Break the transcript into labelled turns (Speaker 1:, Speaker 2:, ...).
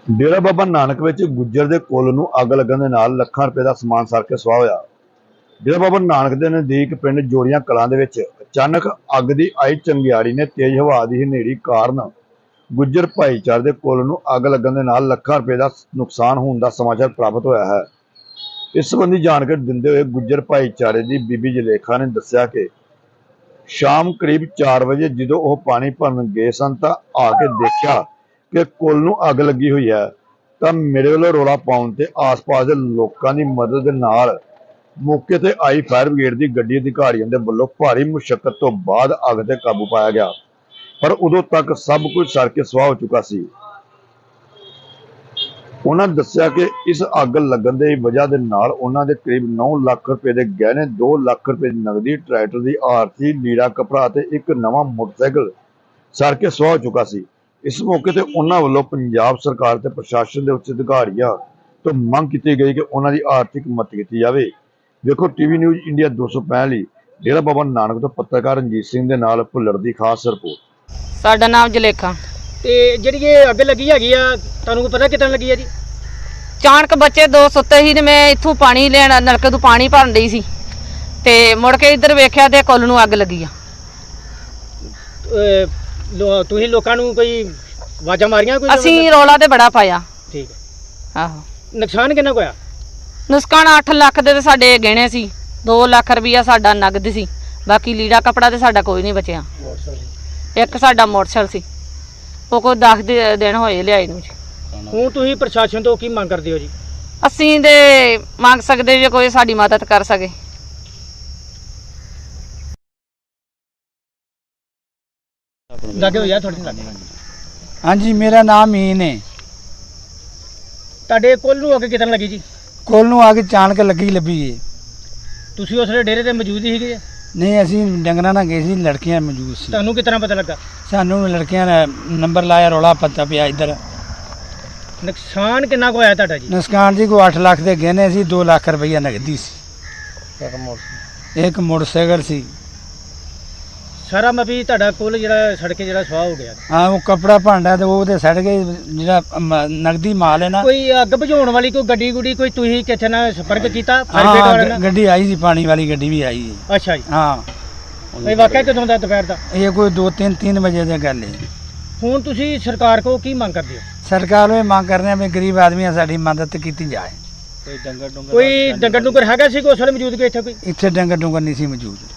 Speaker 1: ਡੇਰਾ ਬਾਬਾ ਨਾਨਕ ਵਿੱਚ ਗੁੱਜਰ ਦੇ ਕੁੱਲ ਨੂੰ ਅੱਗ ਲੱਗਣ ਦੇ ਨਾਲ ਲੱਖਾਂ ਰੁਪਏ ਦਾ ਸਮਾਨ ਸੜ ਕੇ ਸੁਆਹ ਹੋਇਆ। ਡੇਰਾ ਬਾਬਾ ਨਾਨਕ ਦੇ ਨਜ਼ਦੀਕ ਪਿੰਡ ਜੋੜੀਆਂ ਕਲਾਂ ਦੇ ਵਿੱਚ ਅਚਾਨਕ ਅੱਗ ਦੀ ਆਈ ਚੰਗਿਆੜੀ ਨੇ ਤੇਜ਼ ਹਵਾ ਦੀ ਹਨੇਰੀ ਕਾਰਨ ਗੁੱਜਰ ਭਾਈਚਾਰੇ ਦੇ ਕੁੱਲ ਨੂੰ ਅੱਗ ਲੱਗਣ ਦੇ ਨਾਲ ਲੱਖਾਂ ਰੁਪਏ ਦਾ ਨੁਕਸਾਨ ਹੋਣ ਦਾ ਸਮਾਚਾਰ ਪ੍ਰਾਪਤ ਹੋਇਆ ਹੈ। ਇਸ ਸੰਬੰਧੀ ਜਾਣਕਾਰੀ ਦਿੰਦੇ ਹੋਏ ਗੁੱਜਰ ਭਾਈਚਾਰੇ ਦੀ ਬੀਬੀ ਜਲੇਖਾ ਨੇ ਦੱਸਿਆ ਕਿ ਸ਼ਾਮ ਕਰੀਬ 4 ਵਜੇ ਜਦੋਂ ਉਹ ਪਾਣੀ ਭਰਨ ਗਏ ਸਨ ਤਾਂ ਆ ਕੇ ਦੇਖਿਆ ਕਿ ਕੁੱਲ ਨੂੰ ਅੱਗ ਲੱਗੀ ਹੋਈ ਹੈ। ਤਾਂ ਮੇਰੇ ਵੱਲੋਂ ਰੌਲਾ ਪਾਉਣ ਤੇ ਆਸ-ਪਾਸ ਦੇ ਲੋਕਾਂ ਦੀ ਮਦਦ ਦੇ ਨਾਲ ਮੌਕੇ ਤੇ ਆਈ ਫਾਇਰ ਬ੍ਰਿਗੇਡ ਦੀ ਗੱਡੀ ਅਧਿਕਾਰੀਆਂ ਦੇ ਵੱਲੋਂ ਭਾਰੀ ਮੁਸ਼ੱਕਤ ਤੋਂ ਬਾਅਦ ਅੱਗ ਤੇ ਕਾਬੂ ਪਾਇਆ ਗਿਆ, ਪਰ ਉਦੋਂ ਤੱਕ ਸਭ ਕੁਝ ਸੜ ਕੇ ਸੁਆਹ ਹੋ ਚੁੱਕਾ ਸੀ। ਉਹਨਾਂ ਦੱਸਿਆ ਕਿ ਇਸ ਅੱਗ ਲੱਗਣ ਦੀ ਵਜ੍ਹਾ ਦੇ ਨਾਲ ਉਹਨਾਂ ਦੇ ਕਰੀਬ 9 ਲੱਖ ਰੁਪਏ ਦੇ ਗਹਿਣੇ, 2 ਲੱਖ ਰੁਪਏ ਦੀ ਨਗਦੀ, ਟਰੈਕਟਰ ਦੀ ਆਰਸੀ, ਲੀੜਾ ਕੱਪੜਾ ਤੇ ਇੱਕ ਨਵਾਂ ਮੋਟਰਸਾਈਕਲ ਸੜ ਕੇ ਸੁਆਹ ਹੋ ਚੁੱਕਾ ਸੀ। ਇਸ ਮੌਕੇ ਤੇ ਉਹਨਾਂ ਵੱਲੋਂ ਪੰਜਾਬ ਸਰਕਾਰ ਤੇ ਪ੍ਰਸ਼ਾਸਨ ਦੇ ਉੱਚ ਅਧਿਕਾਰੀਆਂ ਤੋਂ ਮੰਗ ਕੀਤੀ ਗਈ ਕਿ ਉਹਨਾਂ ਦੀ ਆਰਥਿਕ ਮਦਦ ਕੀਤੀ ਜਾਵੇ। ਵੇਖੋ ਟੀਵੀ ਨਿਊਜ਼ ਇੰਡੀਆ 265 ਲਈ ਡੇਰਾ ਬਾਬਾ ਨਾਨਕ ਤੋਂ ਪੱਤਰਕਾਰ ਰਣਜੀਤ ਸਿੰਘ ਦੇ ਨਾਲ ਭੁੱਲਰ ਦੀ ਖਾਸ ਰਿਪੋਰਟ।
Speaker 2: ਸਾਡਾ ਨਾਮ ਜਲੇਖਾ।
Speaker 3: ਤੇ ਜਿਹੜੀ ਇਹ ਅੱਗ ਲੱਗੀ ਹੈਗੀ ਆ, ਤੁਹਾਨੂੰ ਪਤਾ ਕਿੱਦਾਂ ਲੱਗੀ ਆ ਜੀ?
Speaker 2: ਚਾਣਕ ਬੱਚੇ ਦੋ ਸੁੱਤੇ ਸੀ ਤੇ ਮੈਂ ਇੱਥੋਂ ਪਾਣੀ ਲੈਣ ਨਲਕੇ ਤੋਂ ਪਾਣੀ ਭਰਨ ਡਈ ਸੀ ਤੇ ਮੁੜ ਕੇ ਇੱਧਰ ਵੇਖਿਆ ਤੇ ਕੁੱਲ ਨੂੰ ਅੱਗ ਲੱਗੀ ਆ।
Speaker 3: ਤੁਸੀਂ ਲੋਕਾਂ ਨੂੰ ਕੋਈ ਆਵਾਜ਼ਾਂ ਮਾਰੀਆਂ? ਕੋਈ
Speaker 2: ਅਸੀਂ ਰੌਲਾ ਤੇ ਬੜਾ ਪਾਇਆ।
Speaker 3: ਠੀਕ ਹੈ।
Speaker 2: ਆਹੋ,
Speaker 3: ਨੁਕਸਾਨ ਕਿੰਨਾ ਕੁ ਹੋਇਆ?
Speaker 2: ਨੁਕਸਾਨ 8 ਲੱਖ ਦੇ ਤੇ ਸਾਡੇ ਗਹਿਣੇ ਸੀ, 2 ਲੱਖ ਰੁਪਈਆ ਸਾਡਾ ਨਗਦ ਸੀ, ਬਾਕੀ ਲੀੜਾ ਕੱਪੜਾ ਤੇ ਸਾਡਾ ਕੋਈ ਨਹੀਂ ਬਚਿਆ। ਇੱਕ ਸਾਡਾ ਮੋਟਰਸਾਈਕਲ ਸੀ, ਉਹ ਕੋਈ 10 ਦਿਨ ਹੋਏ ਲਿਆਏ ਨੂੰ ਜੀ।
Speaker 3: ਹੁਣ ਤੁਸੀਂ ਪ੍ਰਸ਼ਾਸਨ ਤੋਂ ਕੀ ਮੰਗ ਕਰਦੇ ਹੋ ਜੀ?
Speaker 2: ਅਸੀਂ ਤੇ ਮੰਗ ਸਕਦੇ ਜੇ ਕੋਈ ਸਾਡੀ ਮਦਦ ਕਰ ਸਕੇ।
Speaker 3: ਲੱਗੇ ਹੋਇਆ ਤੁਹਾਡੇ ਨਾਲ?
Speaker 4: हाँ जी, मेरा नाम मीन है।
Speaker 3: ਤੁਹਾਡੇ ਕੋਲ ਨੂੰ ਅੱਗ ਕਿੱਦਾਂ ਲੱਗੀ ਜੀ?
Speaker 4: कोल नूं आके चाणक लगी लभी है।
Speaker 3: ਤੁਸੀਂ ਉਸ ਵੇਲੇ ਡੇਰੇ ਤੇ ਮੌਜੂਦ ਹੀ ਸੀਗੇ?
Speaker 4: नहीं, असी डंगरां नाल गए सी, लड़कियां मौजूद सी।
Speaker 3: ਤੁਹਾਨੂੰ ਕਿਤਨਾ ਪਤਾ ਲੱਗਾ?
Speaker 4: सानू लड़कियां ने नंबर लाया, रौला पता पिया इधर।
Speaker 3: ਨੁਕਸਾਨ ਕਿੰਨਾ ਕੁ ਹੋਇਆ ਤੁਹਾਡਾ ਜੀ?
Speaker 4: नुकसान जी को 8 लाख दे गहने सी, 2 लाख रुपया नगदी सी, एक मोटरसाइकिल सी।
Speaker 3: ਸਾਰਾ ਮਤਲਬ ਤੁਹਾਡਾ ਕੋਲ ਜਿਹੜਾ ਸੜ ਕੇ ਜਿਹੜਾ ਸਵਾਹ ਹੋ ਗਿਆ।
Speaker 4: हाँ, वो कपड़ा भांडा ते वो ते सड़ गए, जिहड़ा नगदी माल है ना।
Speaker 3: ਕੋਈ ਅੱਗ बुझाउण वाली कोई गड्डी गुड्डी कोई ਤੁਸੀਂ ਕਿੱਥੇ ਨਾਲ ਸੰਪਰਕ ਕੀਤਾ ਫਾਇਰ ਬ੍ਰਿਗੇਡ ਵਾਲਿਆਂ
Speaker 4: हाँ,
Speaker 3: ਨਾਲ?
Speaker 4: गड्डी आई सी, पानी वाली गड्डी भी आई है।
Speaker 3: ਅੱਛਾ ਜੀ।
Speaker 4: हाँ,
Speaker 3: ਇਹ ਵਾਕਿਆ ਕਦੋਂ ਦਾ ਦੁਪਹਿਰ ਦਾ?
Speaker 4: ये कोई 2-3 बजे दी गल है।
Speaker 3: ਹੁਣ ਤੁਸੀਂ ਸਰਕਾਰ ਕੋਲ ਕੀ ਮੰਗ ਕਰਦੇ ਹੋ?
Speaker 4: सरकार ये मांग कर रहे हैं भी गरीब आदमी साडी मदद की जाए।
Speaker 3: ਕੋਈ ਡੰਗਰ ਡੁੰਗਰ ਹੈਗਾ ਸੀ ਕੋਈ ਉਸ ਵੇਲੇ ਮੌਜੂਦ ਕੋਈ ਇੱਥੇ? ਕੋਈ
Speaker 4: इत्थे डंगर डुंगर नहीं सी मौजूद।